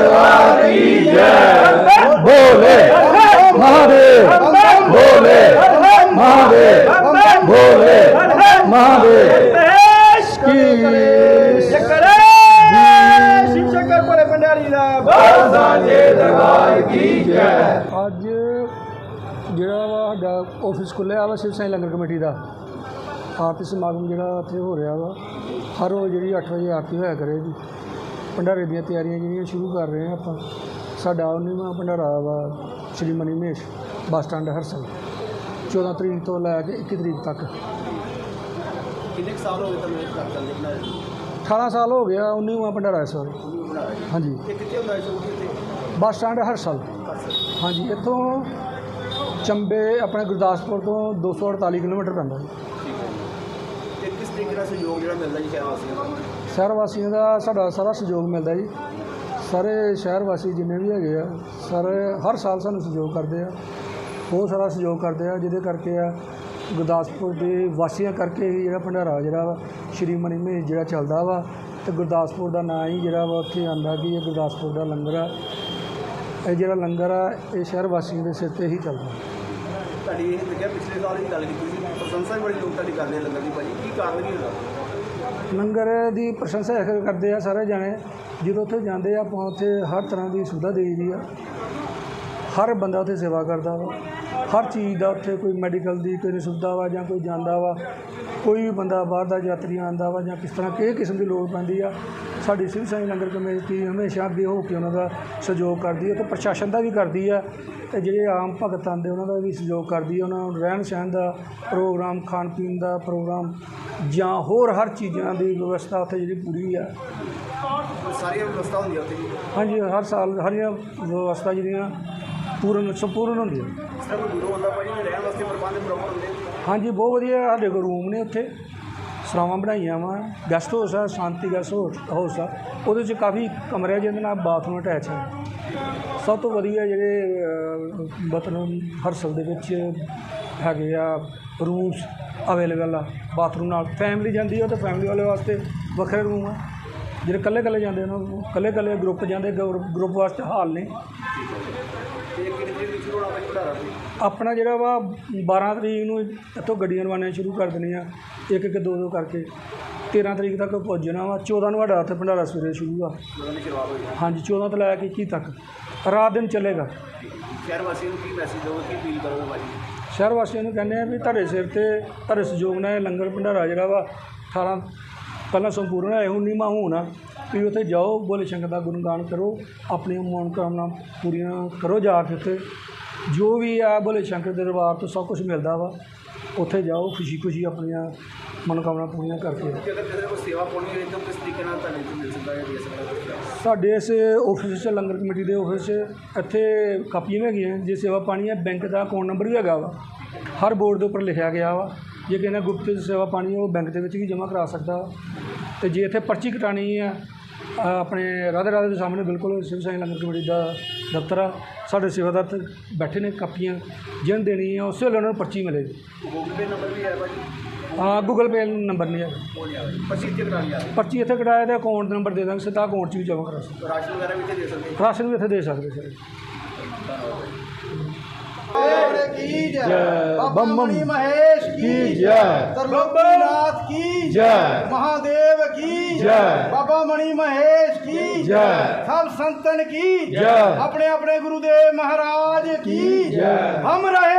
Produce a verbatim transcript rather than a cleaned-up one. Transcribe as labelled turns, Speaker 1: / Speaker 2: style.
Speaker 1: दरबार की जय। भोले महादेव, भोले महादेव, भोले महादेव की
Speaker 2: शिव शंकर भोले भंडारी दा
Speaker 1: साजे दरबार की जय।
Speaker 3: ਅੱਜ ਜਿਹੜਾ ਵਾ ਸਾਡਾ ਆਫਿਸ ਖੁੱਲ੍ਹਿਆ ਵਾ ਸ਼ਿਵ ਸਾਈ ਲੰਗਰ ਕਮੇਟੀ ਦਾ ਆਰਤੀ ਸਮਾਗਮ ਜਿਹੜਾ ਉੱਥੇ ਹੋ ਰਿਹਾ ਵਾ। ਹਰ ਰੋਜ਼ ਜਿਹੜੀ ਅੱਠ ਵਜੇ ਆਰਤੀ ਹੋਇਆ ਕਰੇਗੀ। ਭੰਡਾਰੇ ਦੀਆਂ ਤਿਆਰੀਆਂ ਜਿਹੜੀਆਂ ਸ਼ੁਰੂ ਕਰ ਰਹੇ ਹਾਂ ਆਪਾਂ। ਸਾਡਾ ਉੱਨੀਵਾਂ ਭੰਡਾਰਾ ਵਾ ਸ਼੍ਰੀ ਮਨੀ ਮਹੇਸ਼ ਬੱਸ ਸਟੈਂਡ ਹਰਸਲ ਚੌਦਾਂ ਤਰੀਕ ਤੋਂ ਲੈ ਕੇ ਇੱਕੀ ਤਰੀਕ ਤੱਕ।
Speaker 2: ਕਿੰਨੇ ਕੁ ਸਾਲ ਹੋ ਗਏ ਤੁਹਾਨੂੰ ਇਹ ਕਰ ਚੱਲਦੇ ਬਣਾਏ?
Speaker 3: ਅਠਾਰਾਂ ਸਾਲ ਹੋ ਗਿਆ ਉੱਨੀਵਾਂ ਭੰਡਾਰਾ ਇਸ ਵਾਰ। ਹਾਂਜੀ,
Speaker 2: ਇਹ ਕਿੱਥੇ ਹੁੰਦਾ ਸ਼ੁਰੂ ਕਿੱਥੇ?
Speaker 3: Bus stand Harsal. ਹਾਂਜੀ, ਇੱਥੋਂ ਚੰਬੇ ਆਪਣੇ ਗੁਰਦਾਸਪੁਰ ਤੋਂ ਦੋ ਸੌ ਅੜਤਾਲੀ ਕਿਲੋਮੀਟਰ ਪੈਂਦਾ ਜੀ।
Speaker 2: ਤੇ ਕਿਸ ਤਰੀਕੇ ਦਾ ਸਹਿਯੋਗ ਜਿਹੜਾ ਮਿਲਦਾ ਜੀ ਸ਼ਹਿਰ ਵਾਸੀਆਂ ਨੂੰ?
Speaker 3: ਸ਼ਹਿਰ ਵਾਸੀਆਂ ਦਾ ਸਾਡਾ ਸਾਰਾ ਸਹਿਯੋਗ ਮਿਲਦਾ ਜੀ। ਸਾਰੇ ਸ਼ਹਿਰ ਵਾਸੀ ਜਿੰਨੇ ਵੀ ਹੈਗੇ ਆ ਸਾਰੇ ਹਰ ਸਾਲ ਸਾਨੂੰ ਸਹਿਯੋਗ ਕਰਦੇ ਆ। ਬਹੁਤ ਸਾਰਾ ਸਹਿਯੋਗ ਕਰਦੇ ਆ, ਜਿਹਦੇ ਕਰਕੇ ਆ ਗੁਰਦਾਸਪੁਰ ਦੇ ਵਾਸੀਆਂ ਕਰਕੇ ਹੀ ਜਿਹੜਾ ਭੰਡਾਰਾ ਜਿਹੜਾ ਵਾ ਸ਼੍ਰੀ ਮਨੀ ਮਹੇਸ਼ ਜਿਹੜਾ ਚੱਲਦਾ ਵਾ। ਅਤੇ ਗੁਰਦਾਸਪੁਰ ਦਾ ਨਾਂ ਹੀ ਜਿਹੜਾ ਵਾ ਉੱਥੇ ਆਉਂਦਾ ਕਿ ਇਹ ਗੁਰਦਾਸਪੁਰ ਦਾ ਲੰਗਰ ਆ। ਇਹ ਜਿਹੜਾ ਲੰਗਰ ਆ ਇਹ ਸ਼ਹਿਰ ਵਾਸੀਆਂ ਦੇ ਸਿਰ 'ਤੇ ਹੀ ਚੱਲਦਾ।
Speaker 2: ਤੁਹਾਡੀ ਇਹ ਲੱਗਿਆ ਪਿਛਲੇ ਸਾਲ ਦੀ ਗੱਲ ਕੀਤੀ ਸੀ, ਪ੍ਰਸ਼ੰਸਾ ਵੀ ਬੜੀ ਲੋਕ ਤੁਹਾਡੀ ਕਰਦੇ ਲੰਗਰ ਦੀ ਭਾਜੀ, ਕੀ ਕਾਰਨ ਕੀ ਹੁੰਦਾ?
Speaker 3: ਲੰਗਰ ਦੀ ਪ੍ਰਸ਼ੰਸਾ ਇਸ ਕਰਦੇ ਆ ਸਾਰੇ ਜਾਣੇ। ਜਦੋਂ ਉੱਥੇ ਜਾਂਦੇ ਆ ਆਪਾਂ ਉੱਥੇ ਹਰ ਤਰ੍ਹਾਂ ਦੀ ਸੁਵਿਧਾ ਦੇਈ ਦੀ ਆ। ਹਰ ਬੰਦਾ ਉੱਥੇ ਸੇਵਾ ਕਰਦਾ ਵਾ। ਹਰ ਚੀਜ਼ ਦਾ ਉੱਥੇ ਕੋਈ ਮੈਡੀਕਲ ਦੀ ਕੋਈ ਸੁਵਿਧਾ ਵਾ ਜਾਂ ਕੋਈ ਜਾਂਦਾ ਵਾ, ਕੋਈ ਵੀ ਬੰਦਾ ਬਾਹਰ ਦਾ ਯਾਤਰੀ ਆਉਂਦਾ ਵਾ ਜਾਂ ਕਿਸ ਤਰ੍ਹਾਂ ਕਿਸੇ ਕਿਸਮ ਦੀ ਲੋੜ ਪੈਂਦੀ ਆ, ਸਾਡੀ ਸ਼ਿਵ ਸਾਈ ਲੰਗਰ ਕਮੇਟੀ ਹਮੇਸ਼ਾ ਅੱਗੇ ਹੋ ਕੇ ਉਹਨਾਂ ਦਾ ਸਹਿਯੋਗ ਕਰਦੀ ਹੈ। ਅਤੇ ਪ੍ਰਸ਼ਾਸਨ ਦਾ ਵੀ ਕਰਦੀ ਹੈ ਅਤੇ ਜਿਹੜੇ ਆਮ ਭਗਤ ਆਉਂਦੇ ਉਹਨਾਂ ਦਾ ਵੀ ਸਹਿਯੋਗ ਕਰਦੀ ਹੈ। ਉਹਨਾਂ ਨੂੰ ਰਹਿਣ ਸਹਿਣ ਦਾ ਪ੍ਰੋਗਰਾਮ, ਖਾਣ ਪੀਣ ਦਾ ਪ੍ਰੋਗਰਾਮ ਜਾਂ ਹੋਰ ਹਰ ਚੀਜ਼ਾਂ ਦੀ ਵਿਵਸਥਾ ਉੱਥੇ ਜਿਹੜੀ ਪੂਰੀ ਆ।
Speaker 2: ਸਾਰੀਆਂ ਵਿਵਸਥਾ ਹੁੰਦੀਆਂ ਉੱਥੇ ਜੀ?
Speaker 3: ਹਾਂਜੀ, ਹਰ ਸਾਲ ਹਰੀਆਂ ਵਿਵਸਥਾ ਜਿਹੜੀਆਂ ਪੂਰਨ ਸੰਪੂਰਨ ਹੁੰਦੀਆਂ।
Speaker 2: ਇਸ ਤਰ੍ਹਾਂ ਕੋਈ ਦੂਰੋਂ ਆਉਂਦਾ ਭਾਜੀ, ਰਹਿਣ ਵਾਸਤੇ ਪ੍ਰਬੰਧ ਪ੍ਰੋਪਰ ਹੁੰਦੇ?
Speaker 3: ਹਾਂਜੀ, ਬਹੁਤ ਵਧੀਆ। ਸਾਡੇ ਕੋਲ ਰੂਮ ਨੇ ਉੱਥੇ, ਸਰਾਵਾਂ ਬਣਾਈਆਂ ਵਾ। ਗੈਸਟ ਹਾਊਸ ਆ, ਸ਼ਾਂਤੀ ਗੈਸਟ ਹਾਊਸ ਆ। ਉਹਦੇ 'ਚ ਕਾਫੀ ਕਮਰੇ ਆ ਜਿਹਦੇ ਨਾਲ ਬਾਥਰੂਮ ਅਟੈਚ ਹੈ। ਸਭ ਤੋਂ ਵਧੀਆ ਜਿਹੜੇ ਮਤਲਬ ਹਰਸਲ ਦੇ ਵਿੱਚ ਹੈਗੇ ਆ ਰੂਮਸ ਅਵੇਲੇਬਲ ਆ ਬਾਥਰੂਮ ਨਾਲ। ਫੈਮਿਲੀ ਜਾਂਦੀ ਆ ਤਾਂ ਫੈਮਿਲੀ ਵਾਲੇ ਵਾਸਤੇ ਵੱਖਰੇ ਰੂਮ ਆ। ਜਿਹੜੇ ਇਕੱਲੇ ਇਕੱਲੇ ਜਾਂਦੇ ਉਹਨਾਂ ਨੂੰ ਇਕੱਲੇ ਇਕੱਲੇ ਗਰੁੱਪ ਜਾਂਦੇ ਗਰੁੱਪ ਵਾਸਤੇ ਹਾਲ ਨੇ। ਆਪਣਾ ਜਿਹੜਾ ਵਾ ਬਾਰ੍ਹਾਂ ਤਰੀਕ ਨੂੰ ਇੱਥੋਂ ਗੱਡੀਆਂ ਰਵਾਨੀਆਂ ਸ਼ੁਰੂ ਕਰ ਦੇਣੀਆਂ, ਇੱਕ ਇੱਕ ਦੋ ਦੋ ਕਰਕੇ। ਤੇਰ੍ਹਾਂ ਤਰੀਕ ਤੱਕ ਪਹੁੰਚਣਾ ਵਾ। ਚੌਦਾਂ ਨੂੰ ਸਾਡਾ ਉੱਥੇ ਭੰਡਾਰਾ ਸਵੇਰੇ ਸ਼ੁਰੂ ਆ। ਹਾਂਜੀ, ਚੌਦਾਂ ਤੋਂ ਲੈ ਕੇ ਇੱਕੀ ਤੱਕ ਰਾਤ ਦਿਨ ਚੱਲੇਗਾ।
Speaker 2: ਸ਼ਹਿਰ ਵਾਸੀਆਂ ਨੂੰ ਕੀ ਮੈਸੇਜ ਦਿਓ, ਕੀ ਅਪੀਲ ਕਰੋਗੇ ਭਾਜੀ?
Speaker 3: ਸ਼ਹਿਰ ਵਾਸੀਆਂ ਨੂੰ ਕਹਿੰਦੇ ਆ ਵੀ ਤੁਹਾਡੇ ਸਿਰ 'ਤੇ ਤੁਹਾਡੇ ਸਹਿਯੋਗ ਨਾਲ ਇਹ ਲੰਗਰ ਭੰਡਾਰਾ ਜਿਹੜਾ ਵਾ ਅਠਾਰਾਂ ਪਹਿਲਾਂ ਸੰਪੂਰਨ ਹੋਇਆ, ਉੱਨੀਵਾਂ ਹੋਣਾ। ਤੁਸੀਂ ਉੱਥੇ ਜਾਓ, ਭੋਲੇ ਸ਼ੰਕਰ ਦਾ ਗੁਣਗਾਨ ਕਰੋ, ਆਪਣੀਆਂ ਮਨੋਕਾਮਨਾ ਪੂਰੀਆਂ ਕਰੋ। ਜਾ ਕੇ ਉੱਥੇ ਜੋ ਵੀ ਆ ਭੋਲੇ ਸ਼ੰਕਰ ਦੇ ਦਰਬਾਰ ਤੋਂ ਸਭ ਕੁਛ ਮਿਲਦਾ ਵਾ। ਉੱਥੇ ਜਾਓ, ਖੁਸ਼ੀ ਖੁਸ਼ੀ ਆਪਣੀਆਂ ਮਨੋਕਾਮਨਾ ਪੂਰੀਆਂ ਕਰਕੇ।
Speaker 2: ਅਗਰ ਕਿਸੇ ਕੋਈ ਸੇਵਾ ਪਾਉਣੀ ਹੋਵੇ ਤਾਂ ਕਿਸ ਤਰੀਕੇ ਨਾਲ ਤੁਹਾਨੂੰ ਮਿਲ ਸਕਦਾ ਹੈ, ਦੇ ਸਕਦਾ ਹੈ?
Speaker 3: ਸਾਡੇ ਇਸ ਆਫਿਸ 'ਚ ਲੰਗਰ ਕਮੇਟੀ ਦੇ ਆਫਿਸ 'ਚ ਇੱਥੇ ਕਾਪੀਆਂ ਵੀ ਹੈਗੀਆਂ। ਜੇ ਸੇਵਾ ਪਾਣੀ ਹੈ, ਬੈਂਕ ਦਾ ਅਕਾਊਂਟ ਨੰਬਰ ਵੀ ਹੈਗਾ ਵਾ, ਹਰ ਬੋਰਡ ਦੇ ਉੱਪਰ ਲਿਖਿਆ ਗਿਆ ਵਾ। ਜੇ ਕਿਸੇ ਨੇ ਗੁਪਤ ਸੇਵਾ ਪਾਣੀ ਉਹ ਬੈਂਕ ਦੇ ਵਿੱਚ ਵੀ ਜਮ੍ਹਾਂ ਕਰਾ ਸਕਦਾ। ਅਤੇ ਜੇ ਇੱਥੇ ਪਰਚੀ ਕਟਾਉਣੀ ਆ, ਆਪਣੇ ਰਾਧੇ ਰਾਧੇ ਦੇ ਸਾਹਮਣੇ ਬਿਲਕੁਲ ਸ਼ਿਵ ਸਾਈ ਲੰਗਰ ਕਮੇਟੀ ਦਾ ਦਫ਼ਤਰ ਆ। ਸਾਡੇ ਸੇਵਾਦਾਰ ਇੱਥੇ ਬੈਠੇ ਨੇ, ਕਾਪੀਆਂ ਜਿਹਨ ਦੇਣੀ ਆ ਉਸੇ ਵੇਲੇ ਉਹਨਾਂ ਨੂੰ ਪਰਚੀ ਮਿਲੇਗੀ।
Speaker 2: ਗੂਗਲ ਪੇ ਨੰਬਰ ਵੀ ਹੈ ਭਾਜੀ?
Speaker 3: ਹਾਂ, ਗੂਗਲ ਪੇ ਨੰਬਰ ਨਹੀਂ ਹੈ।
Speaker 2: ਪਰਚੀ ਇੱਥੇ ਕਰਾਉਣੀ ਆ?
Speaker 3: ਪਰਚੀ ਇੱਥੇ ਕਟਾਇਆ ਤਾਂ ਅਕਾਊਂਟ ਨੰਬਰ ਦੇ ਦਾਂਗੇ, ਸਿੱਧਾ ਅਕਾਊਂਟ 'ਚ ਵੀ ਜਮ੍ਹਾਂ ਕਰਾ ਸਕਦੇ।
Speaker 2: ਰਾਸ਼ਨ ਵਗੈਰਾ ਵੀ ਇੱਥੇ ਦੇ ਸਕਦੇ?
Speaker 3: ਰਾਸ਼ਨ ਵੀ ਇੱਥੇ ਦੇ ਸਕਦੇ ਸਰ।
Speaker 2: की
Speaker 1: जय।
Speaker 2: बाबा
Speaker 1: बम
Speaker 2: मणि महेश की
Speaker 1: जय।
Speaker 2: त्रिलोकीनाथ की
Speaker 1: जय।
Speaker 2: महादेव की
Speaker 1: जय।
Speaker 2: बाबा मणि महेश की
Speaker 1: जय।
Speaker 2: सब संतन की
Speaker 1: जय।
Speaker 2: अपने अपने गुरुदेव महाराज की
Speaker 1: जय।
Speaker 2: हम रहे